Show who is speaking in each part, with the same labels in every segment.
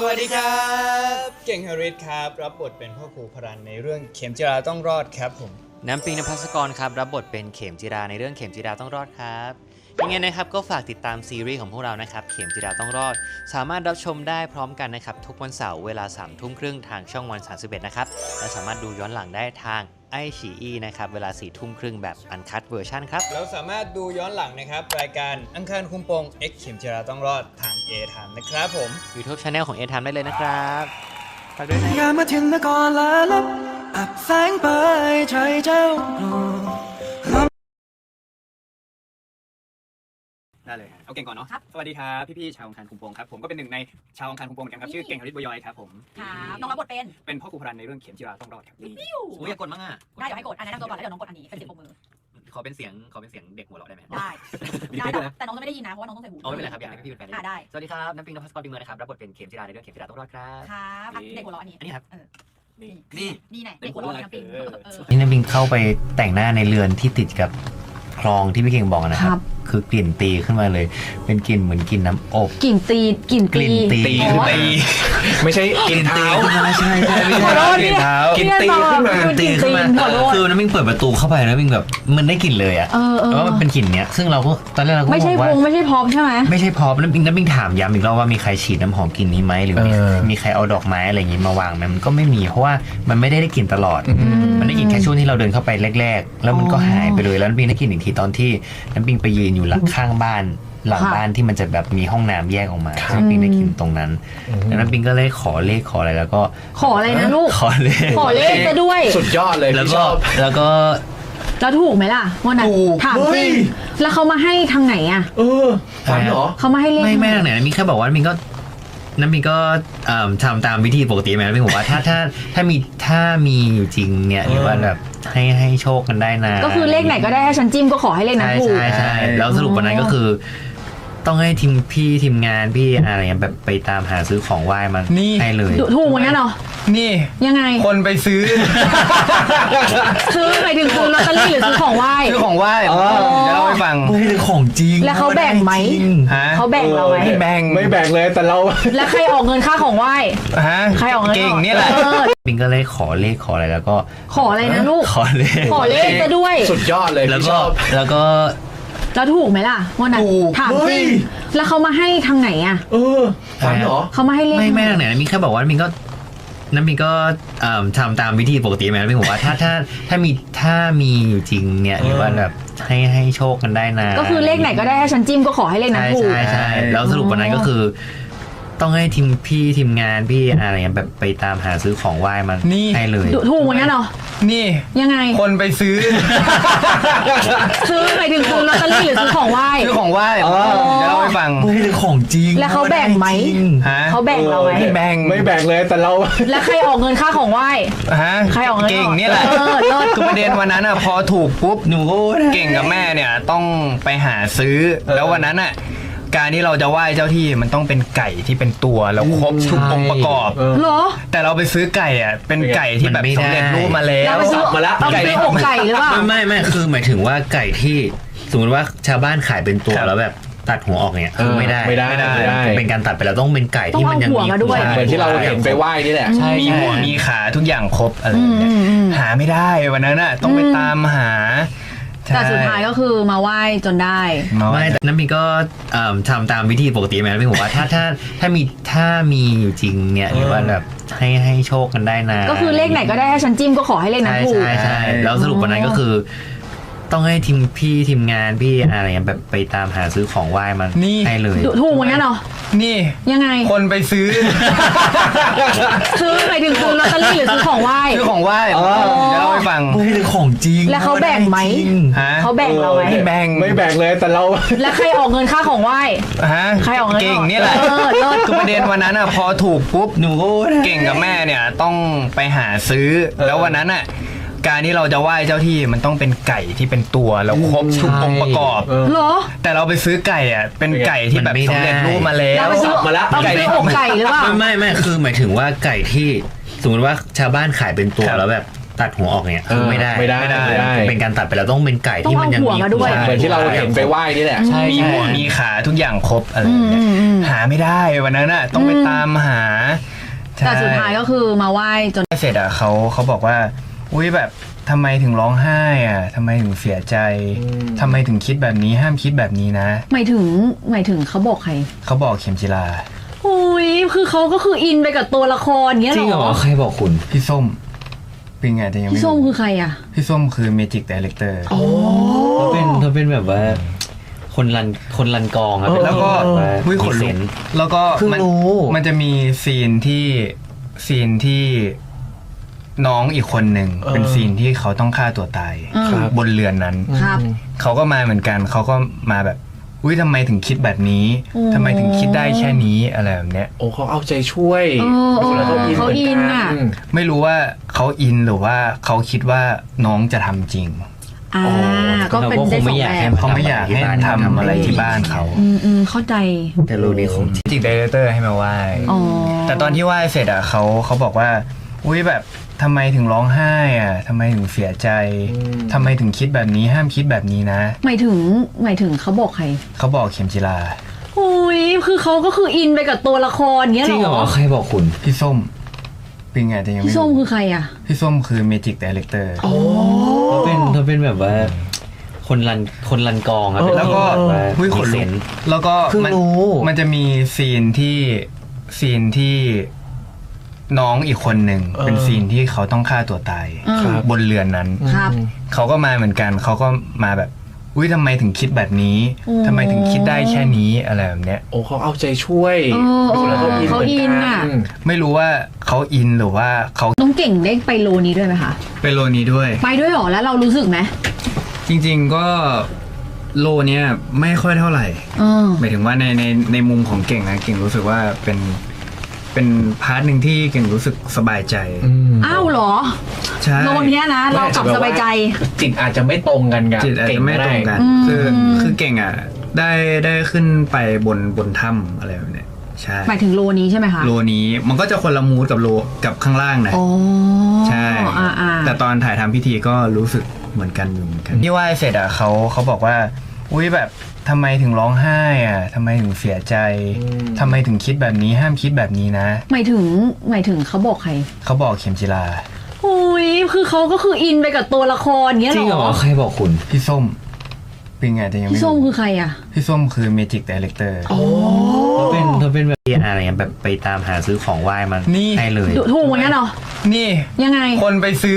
Speaker 1: วัสดีครับเก่งฮาริสครับรับบทเป็นพ่อครูพรันในเรื่องเข็มจิราต้องรอดครับผม
Speaker 2: น้ำปิงนภัสกรครับรับบทเป็นเข็มจิราในเรื่องเข็มจิราต้องรอดครับยังไงนะครับก็ฝากติดตามซีรีส์ของพวกเรานะครับเข็มจิราต้องรอดสามารถรับชมได้พร้อมกันนะครับทุกวันเสาร์เวลา 21:30 นทางช่องวัน31นะครับและสามารถดูย้อนหลังได้ทางไอฉีอีนะครับเวลา 22:30 นแบบอันคัตเวอร์ชันครับ
Speaker 1: เราสามารถดูย้อนหลังนะครับรายการอังคารคุมโปง X เข็มจิราต้องรอดทาง A Time นะครับผม
Speaker 2: YouTube Channel ของ A Time ได้เลยนะครับฝากด้วยนะ
Speaker 3: อย่ามาทิ้งมาก่อนละลับอับแสงไปใจเจ้า
Speaker 4: ได้เลยเอาเก่งก่อนเนาะสวัสดีครับพี่ๆชาวองคารคุมโปงครับผมก็เป็นหนึ่งในชาวองคารคุมโปงเหมือนกันครับชื่อเก่งฮาริสบัวยอยครับผม
Speaker 5: ครับน้องรับบท
Speaker 4: เป็นพ่อครูพรันในเรื่องเข็มจิราต้องรอดครับนี่
Speaker 2: อยากกดมั้งอ่ะ
Speaker 5: ได้เดี๋ยวให้กดอันนั้นนั่งตัวก่อนแล้วเดี๋ยวน้องกดอันนี้เป็นเสียงปรบมือ
Speaker 2: ขอเป็นเสียงเด็กหัวเราะได้ไหม
Speaker 5: ได้แต่น้องจะไม่ได้ยินนะเพราะว่าน้องต้องใส่หู
Speaker 2: ไม่เป็นไรครับอยากให้พี่เป็นแฟน
Speaker 5: ได้
Speaker 2: สวัสดีครับน้ำปิงนภัสกรปิงเมืองนะครับรับบทเป็นเข็มจิราในเรื่องเข็มจิราต้องรอดครับ
Speaker 5: ครับเด็กหัวเราะอันนี้
Speaker 2: ครับ
Speaker 5: นี่ไหนเด็กหัวเราะน้ำปิง
Speaker 2: นี่น้ำปิงเข้าไปแต่งหน้าในเรือนที่ติดกับคลองที่พี่เก่งบอกนะครับคือกลิ่นตีขึ้นมาเลยเป็นกลิ่นเหมือนกลิ่นน้ำอบ
Speaker 6: กลิ่นตี
Speaker 2: ขึ้นไป
Speaker 1: ไม่ใช่กลิ่นเท้า
Speaker 2: ไม่ใช่กลิ่นเท้ากลิ่นตีขึ้นมาคือน้ำปิงเปิดประตูเข้าไปแล้วปิงแบบมันได้กลิ่นเลยอ่ะว่ามันเป็นกลิ่นเนี้ยซึ่งเราก็ตอนแรกเราก็
Speaker 6: ไม่ใช่พงไม่ใช่พร้อมใช่ไหม
Speaker 2: ไม่ใช่พร้อมน้ำปิงถามย้ำอีกรอบว่ามีใครฉีดน้ำหอมกลิ่นนี้ไหมหรือมีใครเอาดอกไม้อะไรอย่างงี้มาวางไหมมันก็ไม่มีเพราะว่ามันไม่ได้กลิ่นตลอดมันได้กลิ่นแค่ช่วงที่เราเดินเข้าไปแรกๆแล้วมันก็หายไปเลยแล้วน้ำปิงได้กลิ่นอีกทีตอนที่น้ำปิงไปยืนอยู่หลังข้างบ้านหลังบ้านที่มันจะแบบมีห้องน้ำแยกออกมาน้ำปิงได้กลิ่นตรงนั้นแล้วน้ำปิงก็เลยขอเลขขออะไรแล้วก็
Speaker 6: ขออะไรนะลูก
Speaker 2: ขอเลข
Speaker 6: ซะด้วย
Speaker 1: สุดยอดเลย
Speaker 2: แล้วถูกไหมล่ะ
Speaker 6: วันนั้นถามจริงแล้วเขามาให้ทางไหนอ่ะ
Speaker 1: ฝันเหรอ
Speaker 6: เขามาให้เลข
Speaker 2: ไม่ทางไหนน้ำปิงแค่บอกว่าน้ำปิงก็ทำตามวิธีปกติไหมน้ำปิงบอกว่าถ้ามีอยู่จริงเนี่ยหรือว่าแบบให้โชคกันได้นะ
Speaker 6: ก็คือเลขไหนก็ได้ให้ฉันจิ้มก็ขอให้เลขนั้นถูก
Speaker 2: ใช่แล้วสรุปวันนั้นก็คือต้องให้ทีมงานพี่อะไรเงี้ยแบบไปตามหาซื้อของไหว้มาให้เลย
Speaker 6: ถูกเหมือนกันเหรอ
Speaker 1: นี่
Speaker 6: ยังไง
Speaker 1: คนไปซื้อ
Speaker 6: หมายถึงซื้อลอตเตอรี่หรือซื้อของไหว้
Speaker 1: ซื้อของไหว้เดี๋ยวเล่าให้ฟัง
Speaker 2: ไม่ได้ของจริง
Speaker 6: แล้วเขาแบ่งไหมเขาแบ่งเราไหม
Speaker 1: ไม่แบ่งเลยแต่เรา
Speaker 6: แล้วใครออกเงินค่าของไหว้ใครออกเงิน
Speaker 1: เก่งนี่แหละ
Speaker 2: ปิงก็เลยขอเลขขออะไรแล้วก็
Speaker 6: ขออะไรนะลูก
Speaker 2: ขอเล
Speaker 6: ขซะด้วย
Speaker 1: สุดยอดเลย
Speaker 6: แล้วถูกไหมล่ะวันนั้นถามจริงแล้วเขามาให้ทางไหนอ่ะ
Speaker 1: ฝันเหรอ
Speaker 6: เขามาให้เลข
Speaker 2: ไม่ทางไหนน้ำปิงแค่บอกว่าน้ำปิงก็ทำตามวิธีปกติไหมน้ำปิงบอกว่าถ้ามีอยู่จริงเนี่ยหรือว่าแบบให้โชคกันได้นะ
Speaker 6: ก็คือเลขไหนก็ได้ให้ฉันจิ้มก็ขอให้เลขนั้นถูก
Speaker 2: ใช่แล้วสรุปวันนั้นก็คือต้องให้ทีมงานพี่อะไรเงี้ยแบบไปตามหาซื้อของไหว้มาให้เลย
Speaker 6: ถูกเหมือนกันเหรอ
Speaker 1: นี่
Speaker 6: ยังไง
Speaker 1: คนไปซื้อ
Speaker 6: หมายถึงซื้อลอตเตอรี่หรือซื้อของไหว้
Speaker 1: ซื้อของไหว้เดี๋ยวเล่าให้ฟัง
Speaker 2: ไม่ได้ของจริง
Speaker 6: แล้วเขาแบ่งไหมเขาแบ่งเราไหม
Speaker 1: ไม่แบ่งเลยแต่เรา
Speaker 6: แล้วใครออกเงินค่าของไหว้ใครออกเงิน
Speaker 1: เก่งนี่แหละคือประเด็นวันนั้นพอถูกปุ๊บหนูเก่งกับแม่เนี่ยต้องไปหาซื้อแล้ววันนั้นการที่เราจะไหว้เจ้าที่มันต้องเป็นไก่ที่เป็นตัวแล้วครบทุกองค์ประกอบ
Speaker 6: เหรอ
Speaker 1: แต่เราไปซื้อไก่เป็นไก่ที่แบบสำเร็จรูปมาแล้ว
Speaker 6: มาแล้วไก่อกไก่หรือเปล่า
Speaker 2: ไม่คือหมายถึงว่าไก่ที่สมมติว่าชาวบ้านขายเป็นตัวแล้วแบบตัดหัวออกเนี่ยคือไม่ได้เป็นการตัดไปแล้วต้องเป็นไก่ที่มันยังมี
Speaker 6: หัว
Speaker 1: เหมือนที่เราเห็นไปไหว้นี่แหละมีหัวมีขาทุกอย่างครบอะไรเนี่ยหาไม่ได้วันนั้นต้องไปตามหา
Speaker 6: แต่สุดท้ายก็คือมาไหว้จนได้
Speaker 2: ไม่น้ำปิงก็ทำตามวิธีปกติไหมน้ำปิงบอกว่าถ้ามีอยู่จริงเนี่ยหรือว่าแบบให้โชคกันได้นะ
Speaker 6: ก็คือเลขไหนก็ได้ให้ฉันจิ้มก็ขอให้เลขนั้นถูก
Speaker 2: ใช่แล้วสรุปวันนั้นก็คือต้องให้ทีมงานพี่อะไรเงี้ยแบบไปตามหาซื้อของไหว้มาให้เลย
Speaker 6: ถูกเหมือนกันเหรอ
Speaker 1: นี่
Speaker 6: ยังไง
Speaker 1: คนไปซื้อ
Speaker 6: หมายถึงซื้อลอตเตอรี่หรือซื้อของไหว้
Speaker 1: ซื้อของไหว้เดี๋ยวเล่าให้ฟัง
Speaker 2: ไม่ได้ของจริง
Speaker 6: แล้วเขาแบ่งไหมเขาแบ่งเราไหม
Speaker 1: ไม่แบ่งเลยแต่เรา
Speaker 6: แล้วใครออกเงินค่าของไหว้ใครออกเงิน
Speaker 1: เก่งนี่แหละคือประเด็นวันนั้นพอถูกปุ๊บหนูเก่งกับแม่เนี่ยต้องไปหาซื้อแล้ววันนั้นการที่เราจะไหว้เจ้าที่มันต้องเป็นไก่ที่เป็นตัวแล้วครบทุกองค์ประกอบ
Speaker 6: เหรอ
Speaker 1: แต่เราไปซื้อไก่เป็นไก่ที่แบบสำเร็จรูปมาแล้ว
Speaker 6: ไก่อกไก่หรือเปล่า
Speaker 2: ไม่คือหมายถึงว่าไก่ที่สมมติว่าชาวบ้านขายเป็นตัวแล้วแบบตัดหัวออกเนี่ยคือไม่ได้
Speaker 7: ไม่ได้
Speaker 2: เป็นการตัดไปแล้วต้องเป็นไก่ที่มันยัง
Speaker 6: ต้องเอาหัว
Speaker 2: มี
Speaker 6: มาด้วย
Speaker 7: เหมือนที่เราเห็นไปไหว้นี่แหละ
Speaker 2: ใช่
Speaker 1: มี
Speaker 2: ใช่
Speaker 1: หัวมีขาทุกอย่างครบอะไรอย่างเงี้ยหาไม่ได้วันนั้นอ่ะต้องไปตามหา
Speaker 6: แต่สุดท้ายก็คือมาไหว้จน
Speaker 1: เสร็จอ่ะเขาบอกว่าอุ้ยแบบทำไมถึงร้องไห้อ่ะทำไมถึงเสียใจทำไมถึงคิดแบบนี้ห้ามคิดแบบนี้นะ
Speaker 6: หมายถึงเขาบอกใคร
Speaker 1: เขาบอกเข็มจิลา
Speaker 6: อุ้ยคือเขาก็คืออินไปกับตัวละครเงี้ย
Speaker 2: จริง
Speaker 6: เห
Speaker 2: เห
Speaker 6: ร
Speaker 2: ร
Speaker 6: อ
Speaker 2: อใครบอกคุณ
Speaker 1: พี่ส้มเป็นไงแต่ยังไม่
Speaker 6: พี่ส้ม
Speaker 1: รู้
Speaker 6: คือใครอ่ะ
Speaker 1: พี่ส้มคือเมจิกดีเรคเตอร์
Speaker 6: โอ้
Speaker 2: เธอเป็นแบบว่าคนรันกองอะ
Speaker 1: แล้วก็
Speaker 2: แบบว่า
Speaker 1: วิขน
Speaker 2: มีเซ
Speaker 1: ลุก
Speaker 2: นส์
Speaker 1: แล้วก็
Speaker 2: เพิ่ง
Speaker 1: มัน
Speaker 2: รู้
Speaker 1: มันจะมีซีนที่น้องอีกคนหนึ่งเป็นซีนที่เขาต้องฆ่าตัวตาย
Speaker 7: ครับ
Speaker 1: บนเรือนนั้น
Speaker 6: ครับ
Speaker 1: เขาก็มาเหมือนกันเขาก็มาแบบอุ้ยทำไมถึงคิดแบบนี้
Speaker 6: โอ้
Speaker 1: ทำไมถึงคิดได้แค่นี้อะไรแบบเนี้ย
Speaker 7: โอ้เขาเอาใจช่วย
Speaker 6: แล้วเขาอินอ่ะ
Speaker 1: ไม่รู้ว่าเขาอินหรือว่าเขาคิดว่าน้องจะทำจริง
Speaker 6: อ่าก็เป็นได้สองแบบ
Speaker 1: เขาไม่อยากให้ทำอะไรที่บ้านเขา
Speaker 6: เข้าใจ
Speaker 2: แต่รู้นี่ของจริง
Speaker 1: จิกดีเรคเตอร์ให้มาไหว้
Speaker 6: อ๋อ
Speaker 1: แต่ตอนที่ไหว้เสร็จอ่ะเขาบอกว่าอุ้ยแบบทำไมถึงร้องไห้อ่ะทำไมถึงเสียใจทำไมถึงคิดแบบนี้ห้ามคิดแบบนี้นะ
Speaker 6: หมายถึงเขาบอกใคร
Speaker 1: เขาบอกเข็มจิลา
Speaker 6: อุ้ยคือเขาก็คืออินไปกับตัวละครเงี้ย
Speaker 2: จริง
Speaker 6: เห
Speaker 2: เห
Speaker 6: ร
Speaker 2: ร
Speaker 6: อ
Speaker 2: อใครบอกคุณ
Speaker 1: พี่ส้มเป็นไงแต่ยังไม่
Speaker 6: พี่ส้ม
Speaker 1: รู้
Speaker 6: คือใครอ่ะ
Speaker 1: พี่ส้มคือเมจิกดีเรคเตอร์
Speaker 2: เธอเป็นแบบว่าคนรันกองอะ
Speaker 1: แล้วก็
Speaker 2: แบบว่า
Speaker 1: วิข
Speaker 2: มี
Speaker 1: น
Speaker 2: เซ
Speaker 1: ลุก
Speaker 2: นส์
Speaker 1: แล้วก็
Speaker 2: เพิ่งรู้
Speaker 1: มันจะมีซีนที่น้องอีกคนหนึ่งเป็นซีนที่เขาต้องฆ่าตัวตาย
Speaker 7: ครับ
Speaker 1: บนเรือนนั้น
Speaker 6: ครับ
Speaker 1: เขาก็มาเหมือนกันเขาก็มาแบบอุ้ยทำไมถึงคิดแบบนี้
Speaker 6: โอ้
Speaker 1: ทำไมถึงคิดได้แค่นี้อะไรแบบเนี้ย
Speaker 7: โอ้เขาเอาใจช่วย แล้ว
Speaker 6: เขาอินอ่ะ
Speaker 1: ไม่รู้ว่าเขาอินหรือว่าเขา
Speaker 6: น้องเก่งได้ไปโลนี้ด้วยไหมคะ
Speaker 1: ไปโลนี้ด้วย
Speaker 6: ไปด้วยเหรอแล้วเรารู้สึกไหม
Speaker 1: จริงๆก็โลเนี้ยไม่ค่อยเท่าไหร่
Speaker 6: เออ
Speaker 1: หมายถึงว่าในมุมของเก่งนะเก่งรู้สึกว่าเป็นพาร์ทหนึ่งที่เก่งรู้สึกสบายใจ
Speaker 6: อ้าวเหรอ
Speaker 1: ใช่
Speaker 6: โลเนี้ยนะ เรากลับสบายใจ
Speaker 7: จิตอาจจะไม่ตรงกันกับ
Speaker 1: จิตอาจจะไม่ตรงกัน คือเก่งอ่ะได้ขึ้นไปบนถ้ำอะไรแบบเนี้ยใช่
Speaker 6: หมายถึงโลนี้ใช่ไหมคะ
Speaker 1: โลนี้มันก็จะคนละมูดกับโลกับข้างล่างนะ
Speaker 6: อ๋อ
Speaker 1: ใช่
Speaker 6: อ่า
Speaker 1: แต่ตอนถ่ายทำพิธีก็รู้สึกเหมือนกันอยู่เหมือนกันที่ไหว้เสร็จอ่ะเขาบอกว่าอุ้ยแบบทำไมถึงร้องไห้อ่ะทำไมถึงเสียใจทำไมถึงคิดแบบนี้ห้ามคิดแบบนี้นะ
Speaker 6: หมายถึงเขาบอกใคร
Speaker 1: เขาบอกเข็มจิลา
Speaker 6: อุ้ยคือเขาก็คืออินไปกับตัวละครเงี้ย
Speaker 2: จริง
Speaker 6: เห
Speaker 2: เห
Speaker 6: ร
Speaker 2: ร
Speaker 6: อ
Speaker 2: อใครบอกคุณ
Speaker 1: พี่ส้มเป็นไงแต่ยังไม่
Speaker 6: พี่ส้ม
Speaker 1: รู้
Speaker 6: คือใครอ่ะ
Speaker 1: พี่ส้มคือเมจิกดีเรคเตอร์
Speaker 2: เธอเป็นแบบอะไรเงี้ยแบบไปตามหาซื้อของไหว้มัน
Speaker 1: นี่
Speaker 2: ให้เลย
Speaker 6: ถูกเหมือนกันเหรอ
Speaker 1: นี่
Speaker 6: ยังไง
Speaker 1: คนไปซื้อ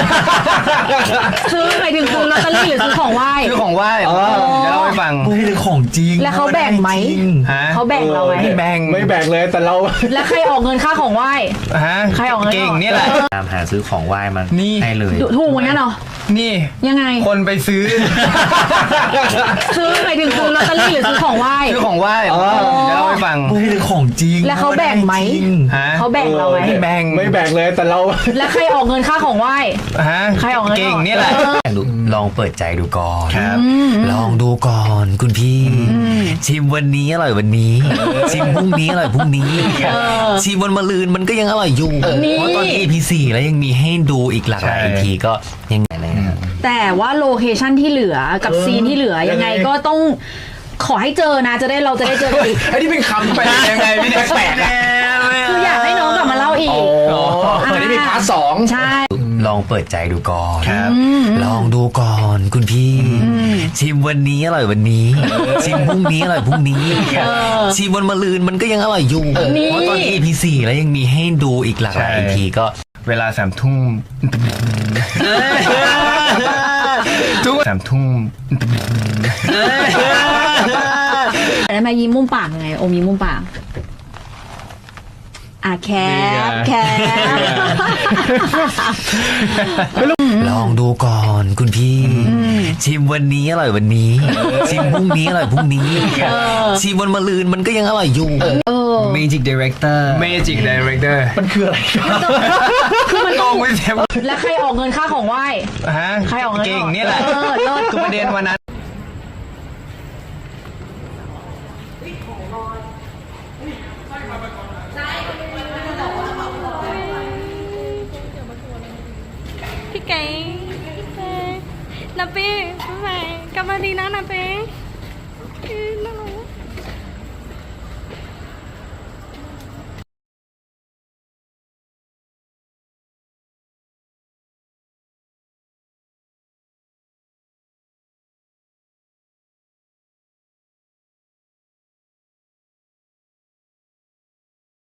Speaker 6: ซื้อหมายถึงซื้อลอตเตอรี่หรือซื้อของไหว้
Speaker 1: ซื้อของไหว้เดี๋ยวเล่าให้ฟัง
Speaker 2: ไม่ได้ของจริง
Speaker 6: แล้วเขาแบ่งไหม
Speaker 1: ฮะ
Speaker 6: เขาแบ่งเราไหม
Speaker 1: ไม่แบ่ง
Speaker 7: ไม่แบ่งเลยแต่เรา
Speaker 6: แล้วใครออกเงินค่าของไหว้
Speaker 1: ฮะ
Speaker 6: ใครออกเงิน
Speaker 1: เก่งนี่แหละ
Speaker 2: ตามหาซื้อของไหว้มัน
Speaker 1: นี่
Speaker 2: ให้เลย
Speaker 6: ถูกเหมือนกันเหรอ
Speaker 1: นี่
Speaker 6: ยังไง
Speaker 1: คนไปซื้อ
Speaker 6: ซื้อหมายถึงซื้อลอตเตอรี่หรือซื้อของไหว้
Speaker 1: ซื้อของไหว้เดี๋ยวเล่าให้ฟัง
Speaker 2: ไม่ได้ของจริง
Speaker 6: แล้วเขาแบ่งไหม
Speaker 1: ฮะ
Speaker 6: เขาแบ่งเราไหม
Speaker 1: ไม่แบ่ง
Speaker 7: ไม่แบ่งเลยแต่เรา
Speaker 6: แล้วใครออกเงินค่าของไหว้
Speaker 1: ฮะ
Speaker 6: ใครออกเงิน
Speaker 1: เก่งนี่แหละ
Speaker 2: ลองเปิดใจดูก่อน
Speaker 1: ครับ
Speaker 2: ลองดูก่อนคุณพี่ ชิมวันนี้อร่อยวันนี้ ชิมพรุ่งนี้อร่อยพรุ่งนี้ ชิมวันมะรืนมันก็ยังอร่อยอยู่ เพราะตอน EP 4แล้วยังมีให้ดูอีกหลากหลาย
Speaker 1: ใช่
Speaker 2: EP ก็ยังไงเลยนะครับ
Speaker 6: แต่ว่าโลเคชั่นที่เหลือกับซีนที่เหลือยังไงก็ต้องขอให้เจอนะเราจะได้เจอกันอีก
Speaker 7: ไอ้นี่เป็นคำไปยังไงพี่แปลกๆอะ
Speaker 6: คืออยากให้น้องกลับมาเล่าอีก
Speaker 7: อันนี้มีพาร์ทสอง
Speaker 6: ใช่
Speaker 2: ลองเปิดใจดูก่อน
Speaker 1: ครับ
Speaker 2: ลองดูก่อนคุณพี่ ชิมวันนี้อร่อยวันนี้ ชิมพรุ่งนี้อร่อยพรุ่งนี้ ชิมวันมะรืนมันก็ยังอร่อยอยู่ เพราะตอน EP 4แล้วยังมีให้ดูอีกหลากหลาย EP ก็
Speaker 1: เวลา3 ทุ่มทุก3 ทุ่ม
Speaker 6: แล้วมายิ้มมุมปากยังไงโอมยิ้มมุมปากแคป
Speaker 2: ลองดูก่อนคุณพี่ ชิมวันนี้อร่อยวันนี้ ชิมพรุ่งนี้อร่อยพรุ่งนี้ ชิมวันมะรืนมันก็ยังอร่อยอยู่
Speaker 1: Magic Director Magic Director
Speaker 7: มันคืออะไรกัน
Speaker 6: คือมัน
Speaker 1: งงไม่เต็ม
Speaker 6: แล้วใครออกเงินค่าของไหว้
Speaker 1: ฮะ
Speaker 6: ใครออกเงิน
Speaker 1: เก่งนี่แหละ
Speaker 6: เลิศ
Speaker 1: คือประเด็นวันนั้น
Speaker 8: พี่เก๋น้าเป้ไปกลับมาดีนะน้าเป้น่ารัก